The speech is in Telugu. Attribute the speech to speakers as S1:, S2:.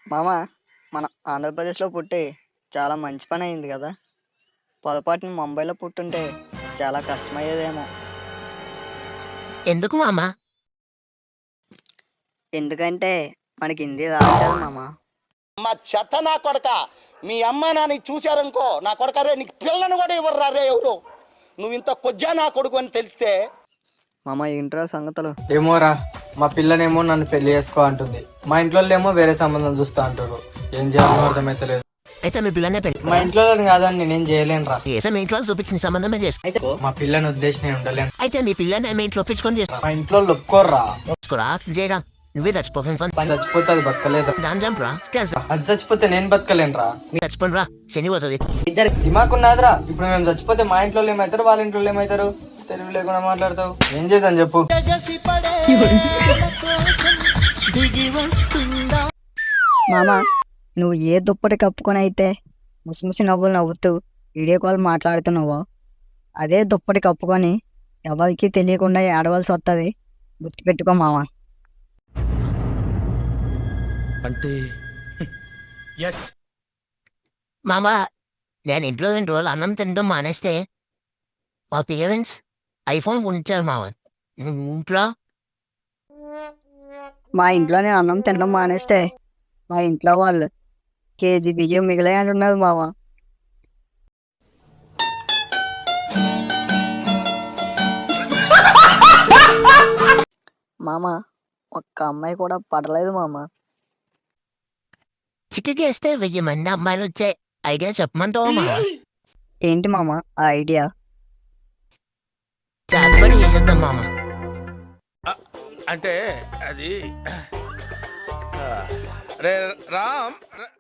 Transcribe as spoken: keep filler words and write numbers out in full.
S1: మామ మన ఆంధ్రప్రదేశ్లో పుట్టి చాలా మంచి పని అయింది కదా. పొరపాటున ముంబైలో పుట్టుంటే చాలా కష్టమయ్యేదేమో.
S2: ఎందుకు మామ?
S1: ఎందుకంటే మనకి హిందీ రాదు కదా మామ.
S3: మా చెత్త నా కొడక, మీ అమ్మ నాన్న చూశారనుకో, నా కొడక రే నీకు పిల్లను కూడా ఇవ్వరు రే ఎవరు. నువ్వు ఇంత కొజ్జా నా కొడుకు అని తెలిస్తే.
S1: మామ ఏంట్రా సంగతులు?
S4: ఏమోరా, మా పిల్లనేమో నన్ను పెళ్లి చేసుకో అంటుంది, మా ఇంట్లో ఏమో వేరే సంబంధం చూస్తా అంటారు. ఏం చేయాలో అర్థమైతలేదు.
S2: అయితే మీ పిల్లనే పెళ్లి.
S4: మా ఇంట్లో కాదని నేనేం చేయలేనురా.
S2: చేసే మీ ఇంట్లో చూపించిన సంబంధమే చేసుకో.
S4: మా పిల్లని ఉద్దేశం నేను ఉండలేను.
S2: అయితే మీ పిల్లని మీ ఇంట్లో ఒప్పించుకొని చేసుకో.
S4: మా ఇంట్లో ఒప్పుకోర్రా.
S2: చేసుకోరా చేయరా, నువ్వే చచ్చిపోతాను.
S4: చచ్చిపోతే అది బతకలేదు.
S2: దాని చంపరా,
S4: అది చచ్చిపోతే నేను బతకలేనురా.
S2: మీరు చచ్చిపోను రా, శని పోతుంది.
S4: దిమాక్ ఉన్నదిరా. ఇప్పుడు మేము చచ్చిపోతే మా ఇంట్లో ఏమవుతారు, వాళ్ళ ఇంట్లో ఏమవుతారు? తెలివి లేకుండా మాట్లాడతావు. ఏం చేద్దాం చెప్పు.
S1: మామ నువ్వు ఏ దుప్పటి కప్పుకొని అయితే ముసిముసి నవ్వులు నవ్వుతూ వీడియో కాల్ మాట్లాడుతున్నావో, అదే దుప్పటి కప్పుకొని ఎవరికి తెలియకుండా ఏడవలసి వస్తుంది. గుర్తుపెట్టుకో మామ.
S5: అంటే
S2: మామ, నేను ఇంట్లో రెండు రోజులు అన్నం తినడం మానేస్తే మా పేరెంట్స్ ఐఫోన్ కొనిచ్చారు మామ. ఇంట్లో
S1: మా ఇంట్లో నేను అన్నం తినడం మానేస్తే మా ఇంట్లో వాళ్ళు కేజీ బియ్యం మిగిలే అంటున్నారు మామ. మామ ఒక్క అమ్మాయి కూడా పడలేదు మామ.
S2: చిక్కకేస్తే వెయ్యి మంది అమ్మాయిలు వచ్చే ఐడియా చెప్పమంటావా మామ?
S1: ఏంటి మామ ఆ ఐడియా?
S2: చేతబడి చేసేద్దాం మామ.
S5: అంటే అది రే రామ్